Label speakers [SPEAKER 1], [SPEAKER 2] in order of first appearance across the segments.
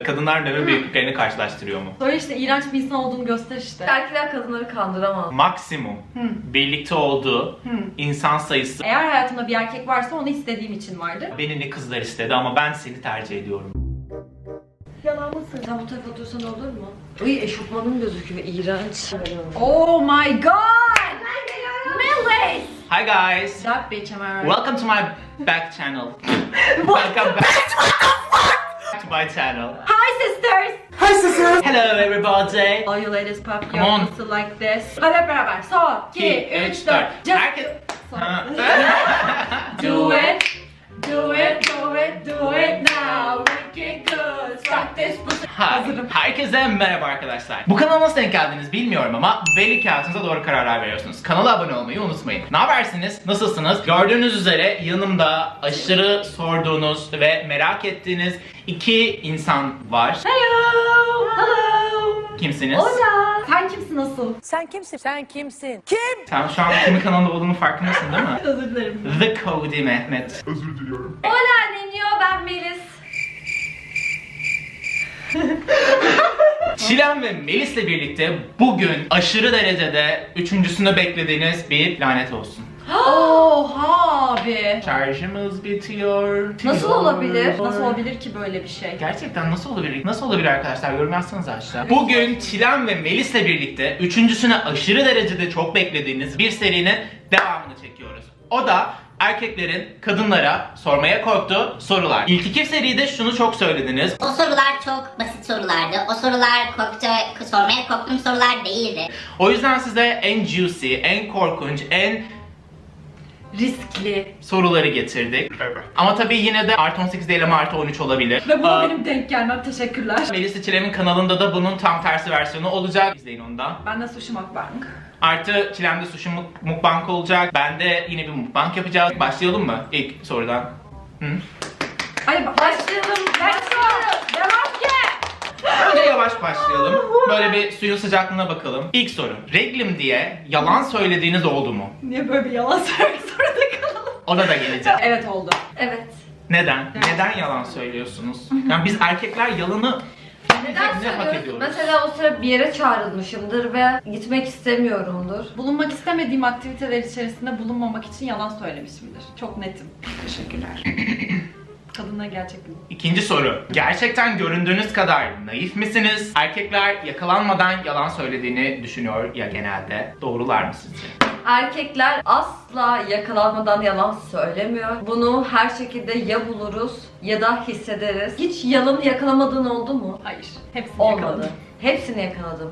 [SPEAKER 1] Kadınlar meme büyüklüklerini karşılaştırıyor mu?
[SPEAKER 2] Böyle işte iğrenç bir insan olduğunu göster işte.
[SPEAKER 3] Erkekler kadınları kandıramaz.
[SPEAKER 1] Maksimum birlikte olduğu insan sayısı.
[SPEAKER 2] Eğer hayatımda bir erkek varsa onu istediğim için vardır.
[SPEAKER 1] Beni ne kızlar istedi ama ben seni tercih ediyorum.
[SPEAKER 2] Yalan mısın?
[SPEAKER 3] Sen bu tarafa otursan olur mu? Uy, eşofmanım gözüküyor, iğrenç.
[SPEAKER 2] Oh my god! Melis!
[SPEAKER 1] Hi guys!
[SPEAKER 2] That bitch am I right?
[SPEAKER 1] Welcome to my back channel. Welcome back to my channel.
[SPEAKER 2] Hi sisters!
[SPEAKER 1] Hi sisters! Hello everybody!
[SPEAKER 2] All you ladies pop
[SPEAKER 1] Come
[SPEAKER 2] your
[SPEAKER 1] on.
[SPEAKER 2] muscle like this. Hadi hep beraber. Son, 2, 3, 4. Just
[SPEAKER 1] Herkes... Ha.
[SPEAKER 2] do it. Do it, do it, do it now. Make it good. Start this pussy. Hazırım.
[SPEAKER 1] Herkese merhaba arkadaşlar. Bu kanala nasıl denk geldiniz bilmiyorum ama belli ki hayatınıza doğru kararlar veriyorsunuz. Kanala abone olmayı unutmayın. Ne habersiniz? Nasılsınız? Gördüğünüz üzere yanımda aşırı sorduğunuz ve merak ettiğiniz iki insan var.
[SPEAKER 2] Hello. Hello.
[SPEAKER 1] Kimsiniz?
[SPEAKER 2] Hola. Sen kimsin asıl?
[SPEAKER 4] Sen kimsin? Sen kimsin? Kim?
[SPEAKER 1] Sen şu an kimin kanalında olduğunun farkındasın değil mi?
[SPEAKER 2] Özür dilerim.
[SPEAKER 1] The Cody Mehmet.
[SPEAKER 3] Hola Nenio, ben Melis.
[SPEAKER 1] Çilem ve Melis'le birlikte bugün aşırı derecede üçüncüsünü beklediğiniz bir lanet olsun.
[SPEAKER 2] Oha abi.
[SPEAKER 1] Şarjımız bitiyor.
[SPEAKER 3] Nasıl olabilir?
[SPEAKER 2] Nasıl olabilir ki böyle bir şey?
[SPEAKER 1] Gerçekten nasıl olabilir? Nasıl olabilir arkadaşlar? Yorum yazsanıza aşağı. Bugün Çilem ve Melis'le birlikte üçüncüsünü aşırı derecede çok beklediğiniz bir serinin devamını çekiyoruz. O da erkeklerin kadınlara sormaya korktuğu sorular. İlk iki seride şunu çok söylediniz.
[SPEAKER 5] O sorular çok basit sorulardı. O sorular sormaya korktuğum sorular değildi.
[SPEAKER 1] O yüzden size en juicy, en korkunç, en
[SPEAKER 2] Riskli.
[SPEAKER 1] soruları getirdik. Ama tabii yine de artı 18 değil ama artı 13 olabilir.
[SPEAKER 2] Ve buna benim denk gelmem. Teşekkürler.
[SPEAKER 1] Melis Çilem'in kanalında da bunun tam tersi versiyonu olacak. İzleyin onu da.
[SPEAKER 2] Ben de sushi mukbang.
[SPEAKER 1] Artı Çilem'de sushi mukbang olacak. Ben de yine bir mukbang yapacağız. Başlayalım mı ilk sorudan? Hı?
[SPEAKER 2] Hadi başlayalım. Let's go. Devam ki.
[SPEAKER 1] Önce yavaş başlayalım. Böyle bir suyun sıcaklığına bakalım. İlk soru. Reglim diye yalan söylediğiniz oldu mu?
[SPEAKER 2] Niye böyle bir yalan söylemek zorunda kalalım?
[SPEAKER 1] Ona da geleceğim.
[SPEAKER 2] Evet oldu.
[SPEAKER 3] Evet.
[SPEAKER 1] Neden? Neden yalan söylüyorsunuz? Yani biz erkekler yalanı
[SPEAKER 3] Neden
[SPEAKER 1] ne hak
[SPEAKER 3] söylüyorsun?
[SPEAKER 1] ediyoruz?
[SPEAKER 3] Mesela o sıra bir yere çağrılmışımdır ve gitmek istemiyorumdur.
[SPEAKER 2] Bulunmak istemediğim aktiviteler içerisinde bulunmamak için yalan söylemişimdir. Çok netim. Teşekkürler. Kadınlar gerçekten.
[SPEAKER 1] İkinci soru. Gerçekten göründüğünüz kadar naif misiniz? Erkekler yakalanmadan yalan söylediğini düşünüyor ya genelde. Doğrular mı sizce?
[SPEAKER 3] Erkekler asla yakalanmadan yalan söylemiyor. Bunu her şekilde ya buluruz ya da hissederiz. Hiç yalanı yakalamadığın oldu mu?
[SPEAKER 2] Hayır. Hepsini
[SPEAKER 3] Olmadı.
[SPEAKER 2] yakaladım.
[SPEAKER 3] Hepsini yakaladım.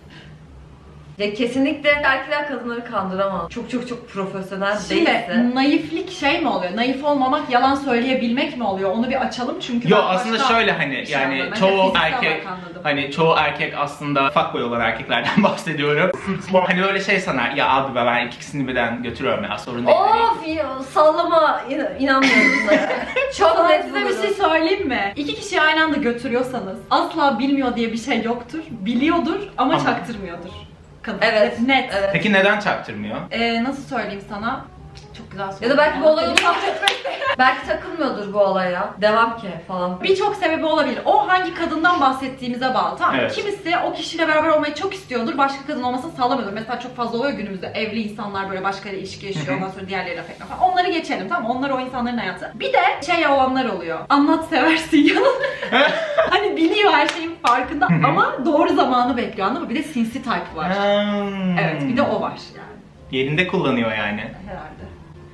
[SPEAKER 3] Ya kesinlikle erkekler kadınları kandıramaz. Çok profesyonel
[SPEAKER 2] Şimdi
[SPEAKER 3] değilse.
[SPEAKER 2] naiflik şey mi oluyor? Naif olmamak, yalan söyleyebilmek mi oluyor? Onu bir açalım çünkü
[SPEAKER 1] Yo
[SPEAKER 2] ben
[SPEAKER 1] aslında
[SPEAKER 2] başka
[SPEAKER 1] şöyle hani
[SPEAKER 2] bir şey
[SPEAKER 1] yani
[SPEAKER 2] anladım. Ben de
[SPEAKER 1] çoğu
[SPEAKER 2] fiziksel
[SPEAKER 1] erkek
[SPEAKER 2] olarak anladım.
[SPEAKER 1] hani çoğu erkek aslında fuckboy olan erkeklerden bahsediyorum. Hani öyle şey sanar ya abi be ben ikisini birden götürüyorum ya sorun değil. Hani
[SPEAKER 3] Of ya, sallama, inanmıyorum sana. Çok
[SPEAKER 2] Sana
[SPEAKER 3] net
[SPEAKER 2] size bir
[SPEAKER 3] bulurum.
[SPEAKER 2] şey söyleyeyim mi? İki kişiyi aynı anda götürüyorsanız asla bilmiyor diye bir şey yoktur. Biliyordur ama
[SPEAKER 1] Ama-
[SPEAKER 2] çaktırmıyordur. Kadın.
[SPEAKER 3] Evet.
[SPEAKER 2] Net.
[SPEAKER 3] Evet.
[SPEAKER 1] Peki neden çaktırmıyor?
[SPEAKER 2] Nasıl söyleyeyim sana? Çok güzel
[SPEAKER 3] Ya
[SPEAKER 2] söyledin.
[SPEAKER 3] da belki bu olay onu belki takılmıyordur bu olaya. Devam ki falan.
[SPEAKER 2] Birçok sebebi olabilir. O hangi kadından bahsettiğimize bağlı. Tamam.
[SPEAKER 1] Evet.
[SPEAKER 2] Kimisi o kişiyle beraber olmayı çok istiyordur. Başka kadın olmasını sağlamıyordur. Mesela çok fazla oluyor günümüzde. Evli insanlar böyle başkalarıyla ilişki yaşıyor. Ondan sonra diğerleriyle affetme falan. Onları geçelim tamam mı? Onlar o insanların hayatı. Bir de şey olanlar oluyor. Anlat seversin yalan. Hani biliyor her şeyin farkında ama doğru zamanı bekliyor anladın mı? Bir de sinsi type var. Evet bir de o var yani.
[SPEAKER 1] Yerinde kullanıyor yani.
[SPEAKER 2] Herhalde.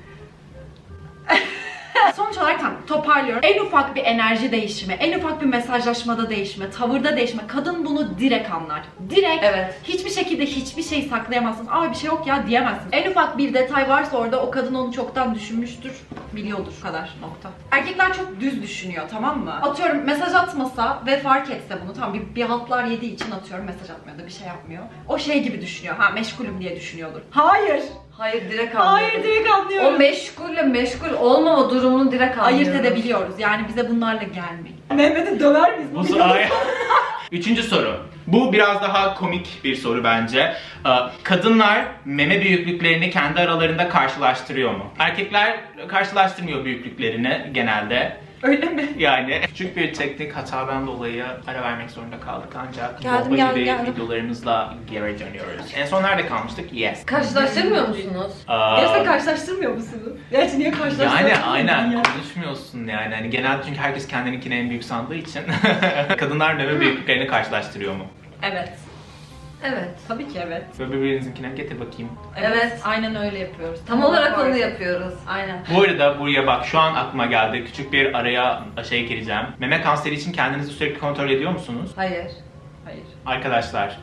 [SPEAKER 2] Sonuç olarak tamam toparlıyorum. En ufak bir enerji değişimi, en ufak bir mesajlaşmada değişme, tavırda değişme. Kadın bunu direkt anlar. Direkt
[SPEAKER 3] Evet.
[SPEAKER 2] hiçbir şekilde hiçbir şey saklayamazsın. Aa bir şey yok ya diyemezsin. En ufak bir detay varsa orada o kadın onu çoktan düşünmüştür, biliyordur kadar nokta. Erkekler çok düz düşünüyor tamam mı? Atıyorum mesaj atmasa ve fark etse bunu tamam bir haltlar yediği için atıyorum mesaj atmıyor da bir şey yapmıyor. O şey gibi düşünüyor. Ha meşgulüm diye düşünüyordur. Hayır.
[SPEAKER 3] Hayır, direkt anlıyorum.
[SPEAKER 2] Hayır direkt anlıyorum.
[SPEAKER 3] O meşgulle meşgul olmama durumunu direkt anlıyoruz.
[SPEAKER 2] Ayırt edebiliyoruz. Yani bize bunlarla gelmeyin. Mehmet'i döver miyiz?
[SPEAKER 1] Bu Üçüncü soru. Bu biraz daha komik bir soru bence. Kadınlar meme büyüklüklerini kendi aralarında karşılaştırıyor mu? Erkekler karşılaştırmıyor büyüklüklerini genelde.
[SPEAKER 2] Öyle mi?
[SPEAKER 1] Yani küçük bir teknik hatadan dolayı ara vermek zorunda kaldık ancak
[SPEAKER 2] Geldim,
[SPEAKER 1] bombacı
[SPEAKER 2] geldim.
[SPEAKER 1] videolarımızla geri dönüyoruz. En son nerede kalmıştık? Yes.
[SPEAKER 3] Karşılaştırmıyor musunuz?
[SPEAKER 2] Gerçekten karşılaştırmıyor musunuz? Gerçi niye karşılaştırmıyorsun?
[SPEAKER 1] Yani aynen konuşmuyorsun yani. Hani genelde çünkü herkes kendininkini en büyük sandığı için kadınlar meme büyüklüklerini karşılaştırıyor mu?
[SPEAKER 2] Evet.
[SPEAKER 3] Evet.
[SPEAKER 2] Tabii ki evet.
[SPEAKER 1] Ve birbirinizinkine getir bakayım.
[SPEAKER 3] Evet.
[SPEAKER 2] Aynen öyle yapıyoruz.
[SPEAKER 3] Tam olarak onu
[SPEAKER 2] Doğru.
[SPEAKER 3] yapıyoruz.
[SPEAKER 2] Aynen.
[SPEAKER 1] Bu arada buraya bak şu an aklıma geldi. Küçük bir araya gireceğim. Meme kanseri için kendinizi sürekli kontrol ediyor musunuz?
[SPEAKER 3] Hayır.
[SPEAKER 2] Hayır.
[SPEAKER 1] Arkadaşlar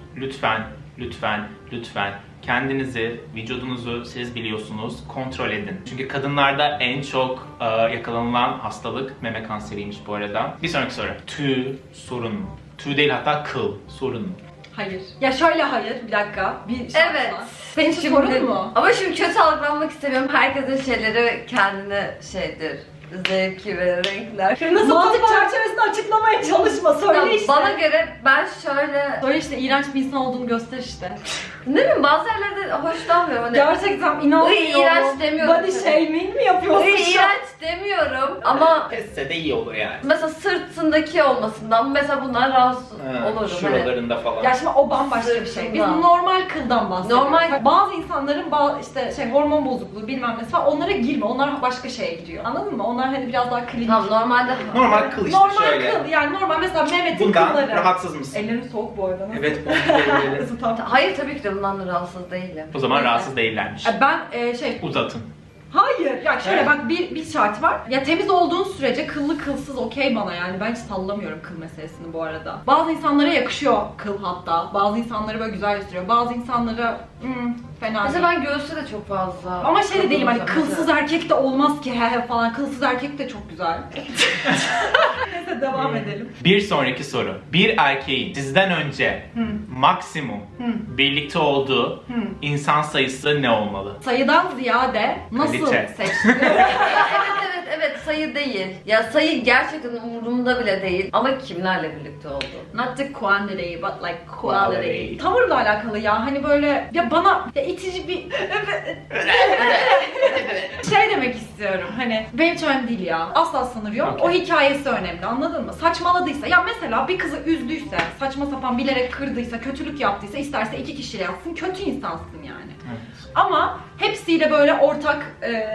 [SPEAKER 1] lütfen kendinizi, vücudunuzu siz biliyorsunuz kontrol edin. Çünkü kadınlarda en çok yakalanılan hastalık meme kanseriymiş bu arada. Bir sonraki soru. Tüy sorun mu? Tüy değil hatta kıl sorun mu?
[SPEAKER 2] Hayır. Ya şöyle hayır. Bir dakika. Bir şart
[SPEAKER 3] Evet.
[SPEAKER 2] var. Senin için sorun mu?
[SPEAKER 3] Ama şimdi kötü algılanmak istemiyorum. Herkesin şeyleri kendine şeydir. Zevki ve renkler.
[SPEAKER 2] Nasıl mantık çerçevesinde açıklamaya çalışma. Söyle
[SPEAKER 3] Tamam,
[SPEAKER 2] işte.
[SPEAKER 3] bana göre ben şöyle...
[SPEAKER 2] Söyle işte iğrenç bir insan olduğunu göster işte.
[SPEAKER 3] Ne bileyim bazı yerlerde hoşlanmıyorum. Hani...
[SPEAKER 2] Gerçekten inanmıyorum.
[SPEAKER 3] iğrenç demiyorum.
[SPEAKER 2] Body shaming mi yapıyorsun şu an?
[SPEAKER 3] İğrenç demiyorum ama
[SPEAKER 1] Esse de iyi olur yani.
[SPEAKER 3] mesela sırtındaki olmasından mesela bundan rahatsız olurum. Hani.
[SPEAKER 1] Şuralarında falan.
[SPEAKER 2] Ya şimdi o bambaşka bir şey. Biz
[SPEAKER 3] Sırtında.
[SPEAKER 2] normal kıldan bahsediyoruz.
[SPEAKER 3] Normal-
[SPEAKER 2] Bazı insanların işte hormon bozukluğu bilmem ne falan onlara girme. Onlar başka şeye gidiyor. Anladın mı? Onlar hani biraz daha klinik.
[SPEAKER 3] Tamam normalde
[SPEAKER 1] Normal kıl işte
[SPEAKER 2] Normal
[SPEAKER 1] şöyle.
[SPEAKER 2] kıl yani normal mesela Mehmet'in
[SPEAKER 1] Bundan
[SPEAKER 2] kılları.
[SPEAKER 1] rahatsız mısın?
[SPEAKER 2] Ellerim soğuk bu arada.
[SPEAKER 1] Evet, bu elleri.
[SPEAKER 2] Isıtan.
[SPEAKER 3] hayır tabii ki de bundan da rahatsız değilim.
[SPEAKER 1] O zaman
[SPEAKER 2] Neyse.
[SPEAKER 1] rahatsız değillermiş.
[SPEAKER 2] Ben
[SPEAKER 1] Uzatın.
[SPEAKER 2] hayır ya şöyle
[SPEAKER 1] Evet.
[SPEAKER 2] bak bir şart var. Ya temiz olduğun sürece kıllı kılsız okey bana yani. Ben hiç sallamıyorum kıl meselesini bu arada. Bazı insanlara yakışıyor kıl hatta. Bazı insanları böyle güzel gösteriyor. Bazı insanlara fena
[SPEAKER 3] Mesela
[SPEAKER 2] değil.
[SPEAKER 3] ben göğüste de çok fazla.
[SPEAKER 2] Ama şey de değilim hani
[SPEAKER 3] Mesela.
[SPEAKER 2] kılsız erkek de olmaz ki he he falan. Kılsız erkek de çok güzel. Neyse devam edelim.
[SPEAKER 1] Bir sonraki soru. Bir erkeğin sizden önce maksimum birlikte olduğu insan sayısı ne olmalı?
[SPEAKER 2] Sayıdan ziyade nasıl
[SPEAKER 1] Kalite.
[SPEAKER 2] seçtin?
[SPEAKER 3] Evet sayı değil. Ya sayı gerçekten umurumda bile değil. Ama kimlerle birlikte oldu?
[SPEAKER 2] Not the quantity but like quality.
[SPEAKER 1] Quality.
[SPEAKER 2] Tavırla alakalı ya hani böyle ya bana ya itici bir şey demek istiyorum hani benim için önemli değil ya asla sınır yok
[SPEAKER 1] Okay.
[SPEAKER 2] o hikayesi önemli anladın mı? Saçmaladıysa ya mesela bir kızı üzdüyse saçma sapan bilerek kırdıysa kötülük yaptıysa isterse 2 kişiyle yatsın kötü insansın yani. Ama hepsiyle böyle ortak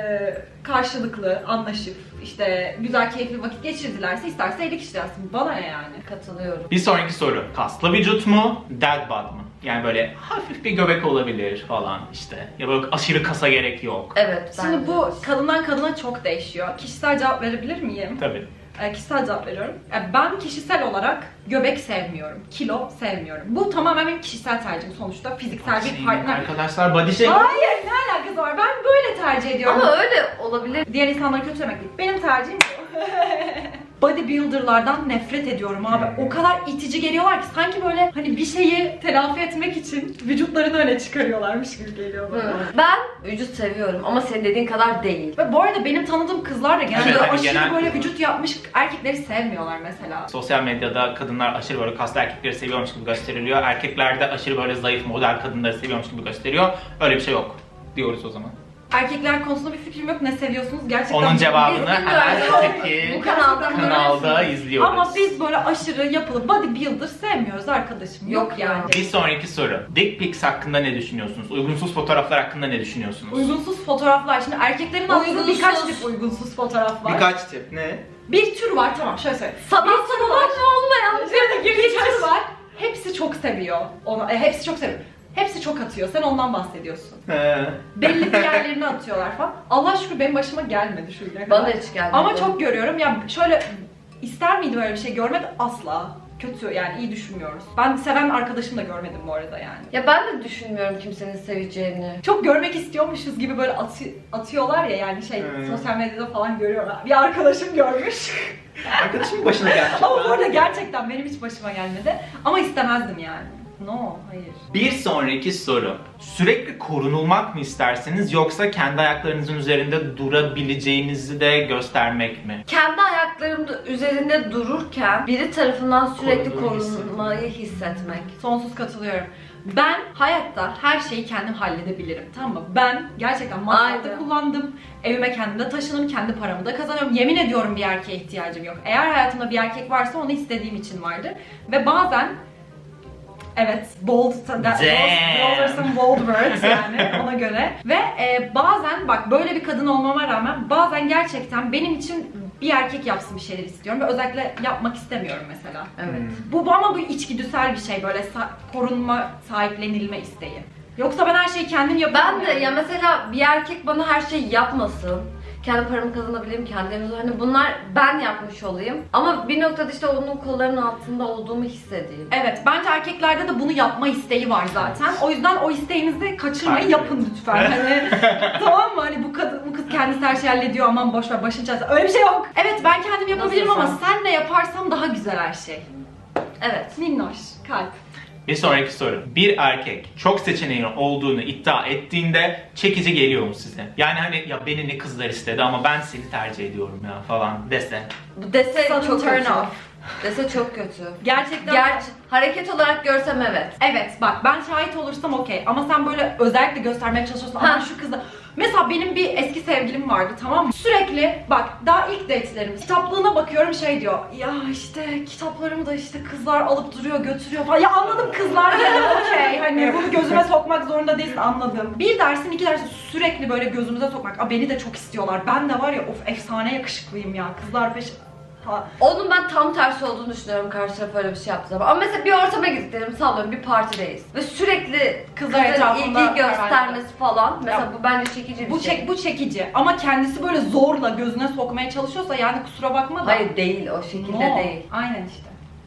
[SPEAKER 2] karşılıklı anlaşıp işte güzel keyifli vakit geçirdilerse isterse 50 kişi yatsın bana ne yani?
[SPEAKER 3] Katılıyorum.
[SPEAKER 1] Bir sonraki soru. Kaslı vücut mu? Dead bod mu? Yani böyle hafif bir göbek olabilir falan işte. Ya böyle aşırı kasa gerek yok.
[SPEAKER 3] Evet
[SPEAKER 2] Şimdi
[SPEAKER 3] bence
[SPEAKER 2] bu
[SPEAKER 3] de.
[SPEAKER 2] kadından kadına çok değişiyor. Kişisel cevap verebilir miyim?
[SPEAKER 1] Tabii.
[SPEAKER 2] Kişisel cevap veriyorum. Ben kişisel olarak göbek sevmiyorum, kilo sevmiyorum. Bu tamamen benim kişisel tercihim sonuçta. Fiziksel bir partner.
[SPEAKER 1] Arkadaşlar body shaming.
[SPEAKER 2] Hayır, ne alakası var? Ben böyle tercih ediyorum.
[SPEAKER 3] Ama öyle olabilir.
[SPEAKER 2] Diğer insanları kötülemek değil. Benim tercihim bu. Bodybuilder'lardan nefret ediyorum abi. O kadar itici geliyorlar ki sanki böyle hani bir şeyi telafi etmek için vücutlarını öne çıkarıyorlarmış gibi geliyor bana.
[SPEAKER 3] Ben vücut seviyorum ama senin dediğin kadar değil.
[SPEAKER 2] Ve bu arada benim tanıdığım kızlar da genelde
[SPEAKER 1] Evet, hani
[SPEAKER 2] aşırı
[SPEAKER 1] genel
[SPEAKER 2] böyle
[SPEAKER 1] kızlar.
[SPEAKER 2] vücut yapmış erkekleri sevmiyorlar mesela.
[SPEAKER 1] Sosyal medyada kadınlar aşırı böyle kaslı erkekleri seviyormuş gibi gösteriliyor. Erkekler de aşırı böyle zayıf model kadınları seviyormuş gibi gösteriyor. Öyle bir şey yok diyoruz o zaman.
[SPEAKER 2] Erkekler konusunda bir fikrim yok. Ne seviyorsunuz? Gerçekten
[SPEAKER 1] Onun cevabını
[SPEAKER 3] bilmiyoruz.
[SPEAKER 1] hemen
[SPEAKER 3] Bu
[SPEAKER 1] öteki
[SPEAKER 3] kanalda
[SPEAKER 1] kanalda izliyoruz.
[SPEAKER 2] Ama biz böyle aşırı yapılı bodybuilder sevmiyoruz arkadaşım. Yok yani.
[SPEAKER 1] Bir sonraki soru. Dick pics hakkında ne düşünüyorsunuz? Uygunsuz fotoğraflar hakkında ne düşünüyorsunuz?
[SPEAKER 2] Uygunsuz fotoğraflar. Şimdi erkeklerin aslında
[SPEAKER 3] Uygunsuz.
[SPEAKER 2] birkaç tip uygunsuz fotoğraf var.
[SPEAKER 1] Birkaç tip. Ne?
[SPEAKER 2] Bir tür var tamam şöyle söyleyeyim.
[SPEAKER 3] Sanatsal amaçlı olmayan
[SPEAKER 2] Bir tür var. Hepsi çok seviyor. Onu, hepsi çok seviyor. Hepsi çok atıyor. Sen ondan bahsediyorsun. Belli bir yerlerine atıyorlar falan. Allah şükür benim başıma gelmedi şu güne kadar.
[SPEAKER 3] Bana da hiç gelmedi.
[SPEAKER 2] Ama çok görüyorum. Ya şöyle ister miydim öyle bir şey görmek? Asla. Kötü yani iyi düşünmüyoruz. Ben seven arkadaşım da görmedim bu arada yani.
[SPEAKER 3] Ya ben de düşünmüyorum kimsenin seveceğini.
[SPEAKER 2] Çok görmek istiyormuşuz gibi böyle atıyorlar ya yani sosyal medyada falan görüyorlar. Bir arkadaşım görmüş.
[SPEAKER 1] Arkadaşımın başına geldi.
[SPEAKER 2] Ama bu arada gerçekten benim hiç başıma gelmedi. Ama istemezdim yani. No, hayır.
[SPEAKER 1] Bir sonraki soru. Sürekli korunulmak mı istersiniz yoksa kendi ayaklarınızın üzerinde durabileceğinizi de göstermek mi?
[SPEAKER 3] Kendi ayaklarımda üzerinde dururken biri tarafından sürekli
[SPEAKER 1] Korunduğunu
[SPEAKER 3] korunmayı hissetmek.
[SPEAKER 2] Sonsuz katılıyorum. Ben hayatta her şeyi kendim halledebilirim, tamam mı? Ben gerçekten masrafta
[SPEAKER 3] Aynen.
[SPEAKER 2] kullandım, evime kendim de taşındım, kendi paramı da kazanıyorum. Yemin ediyorum bir erkeğe ihtiyacım yok. Eğer hayatımda bir erkek varsa onu istediğim için vardır. Ve bazen, evet, bold, those are some bold words yani ona göre. Ve bazen bak böyle bir kadın olmama rağmen bazen gerçekten benim için bir erkek yapsın bir şeyler istiyorum ve özellikle yapmak istemiyorum mesela.
[SPEAKER 3] Evet.
[SPEAKER 2] Bu ama bu içgüdüsel bir şey, böyle korunma, sahiplenilme isteği. Yoksa ben her şeyi kendim yapıyorum.
[SPEAKER 3] Ben de ya mesela bir erkek bana her şeyi yapmasın. Kendi paramı kazanabileyim, kendi evimde, hani bunlar ben yapmış olayım. Ama bir noktada işte onun kollarının altında olduğumu hissedeyim.
[SPEAKER 2] Evet, bence erkeklerde de bunu yapma isteği var zaten. O yüzden o isteğinizi kaçırmayın,
[SPEAKER 1] Takip
[SPEAKER 2] yapın lütfen. Hani tamam mı? Hani bu kız kendisi her şeyi hallediyor, aman boş ver, başın çaresine. Öyle bir şey yok. Evet, ben kendim yapabilirim
[SPEAKER 3] Nasıl
[SPEAKER 2] ama
[SPEAKER 3] sen?
[SPEAKER 2] senle yaparsam daha güzel her şey.
[SPEAKER 3] Evet.
[SPEAKER 2] Minnoş, kalp.
[SPEAKER 1] Bir sonraki soru. Bir erkek çok seçeneğin olduğunu iddia ettiğinde çekici geliyor mu size? Yani hani ya beni ne kızlar istedi ama ben seni tercih ediyorum ya falan dese.
[SPEAKER 3] Bu dese
[SPEAKER 2] Sudden
[SPEAKER 3] çok
[SPEAKER 2] turn
[SPEAKER 3] kötü.
[SPEAKER 2] off.
[SPEAKER 3] Dese çok kötü.
[SPEAKER 2] Gerçekten.
[SPEAKER 3] Hareket olarak görsem evet.
[SPEAKER 2] Evet, bak ben şahit olursam okey ama sen böyle özellikle göstermeye çalışıyorsun ama
[SPEAKER 3] Ha.
[SPEAKER 2] şu kızla. Mesela benim bir eski sevgilim vardı, tamam mı? Sürekli bak daha ilk date'lerim kitaplığına bakıyorum, şey diyor. Ya işte kitaplarımı da işte kızlar alıp duruyor, götürüyor falan. Ya anladım, kızlar yani okey. Hani bunu gözüme sokmak zorunda değilsin, anladım. Bir dersin, iki dersin sürekli böyle gözümüze sokmak. Aa, beni de çok istiyorlar. Ben de var ya, of efsane yakışıklıyım ya. Kızlar peş... Ha.
[SPEAKER 3] Onun ben tam tersi olduğunu düşünüyorum karşı taraf öyle bir şey yaptığı zaman. Ama mesela bir ortama gittim, sallıyorum bir partideyiz. Ve sürekli
[SPEAKER 2] Kızlar
[SPEAKER 3] kızların
[SPEAKER 2] etrafında
[SPEAKER 3] ilgi göstermesi falan. Mesela
[SPEAKER 2] Ya,
[SPEAKER 3] bu bence çekici bir şey.
[SPEAKER 2] Bu çekici ama kendisi böyle zorla gözüne sokmaya çalışıyorsa yani kusura bakma da.
[SPEAKER 3] Hayır değil, o şekilde
[SPEAKER 2] No.
[SPEAKER 3] değil.
[SPEAKER 2] Aynen işte.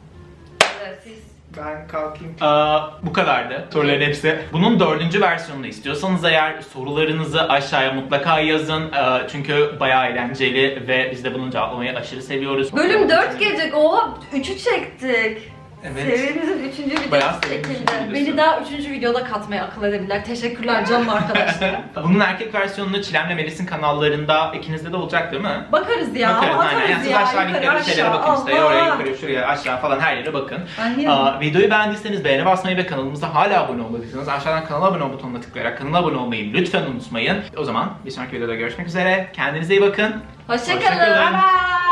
[SPEAKER 3] Evet, siz...
[SPEAKER 1] Ben kalkayım. Bu kadardı. Soruların hepsi. Bunun 4. versiyonunu istiyorsanız eğer sorularınızı aşağıya mutlaka yazın. Çünkü bayağı eğlenceli ve biz de bunu cevaplamayı aşırı seviyoruz.
[SPEAKER 3] Bölüm 4 gelecek. Oha 3'ü çektik.
[SPEAKER 1] Evet.
[SPEAKER 3] Serimizin 3.
[SPEAKER 1] Bayağı
[SPEAKER 3] videosu
[SPEAKER 1] serimizin
[SPEAKER 3] çekildi.
[SPEAKER 1] videosu.
[SPEAKER 2] Beni daha 3. videoda katmaya akıl edebilirler. Teşekkürler canım arkadaşlar.
[SPEAKER 1] Bunun erkek versiyonunu Çilem'le Melis'in kanallarında ikinizde de olacak değil mi?
[SPEAKER 2] Bakarız ya.
[SPEAKER 1] Bakarız
[SPEAKER 2] Atarız
[SPEAKER 1] aynen. Yani siz
[SPEAKER 2] ya.
[SPEAKER 1] aşağı
[SPEAKER 2] Yukarı
[SPEAKER 1] linklere bir şeylere
[SPEAKER 2] aşağı.
[SPEAKER 1] bakın işte. Oraya
[SPEAKER 2] Allah.
[SPEAKER 1] yukarı şuraya aşağı falan her yere bakın.
[SPEAKER 2] Ben yerim.
[SPEAKER 1] Videoyu beğendiyseniz beğene basmayı ve kanalımıza hala abone olmadıysanız aşağıdan kanala abone ol butonuna tıklayarak kanala abone olmayı lütfen unutmayın. O zaman bir sonraki videoda görüşmek üzere. Kendinize iyi bakın.
[SPEAKER 3] Hoşça
[SPEAKER 1] Hoşça
[SPEAKER 3] kalın.
[SPEAKER 1] kalın.
[SPEAKER 2] Bye bye.